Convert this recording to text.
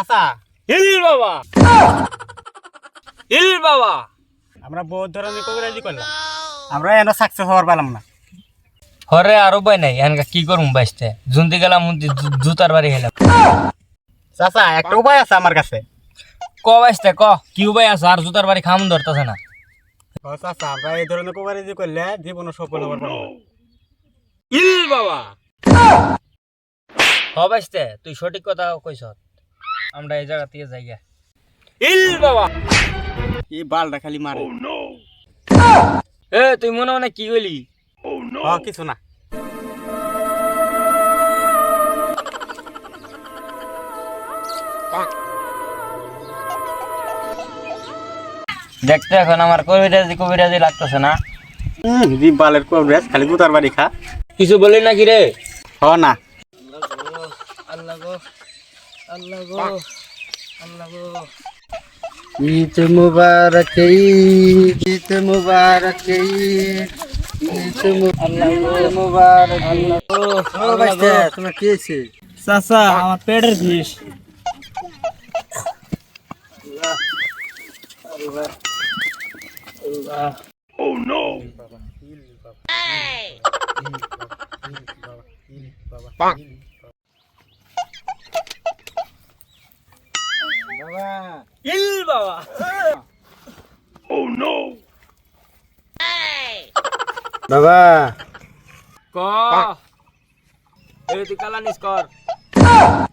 চাচা হিল বাবা হিল বাবা আমরা বহুত ধরনের কবিরাজি করলাম আমরা এন সাকসেস হওয়ার পেলাম না। হরে আর উপায় নাই এনকা কি করুম বাইসতে জুনতে গেলাম জুতার বাড়ি গেলাম। চাচা একটা উপায় আছে আমার কাছে। ক বাইসতে ক কি উপায় আছে আর জুতার বাড়ি খাম ধরতেছে না। চাচা আমরা এই ধরনের কবিরাজি করলে জীবনে সফল হবার পারবো না। হিল বাবা হ বাইসতে তুই সঠিক কথা কইছ আমরা এই জায়গা থেকে যাই হিল বাবা। এই বালটা খালি মারে। এ তুই মনে মনে কি কইলি? কিছু না। দেখতে এখন আমার কবিরাজি কবিরাজি লাগতেছে না। জি বালের কবিরাজ খালি গুতার বাড়ি খা। কিছু বলি নাকি রে? না আল্লাহ গো আল্লাহ গো আল্লাহ গো। ঈদ মুবারক ঈদ মুবারক ঈদ মুবারক। তোমার কি হয়েছে? চাচা আমার পেটের বিষ। বাবা বাবা ক এই তুই কালানিস কর।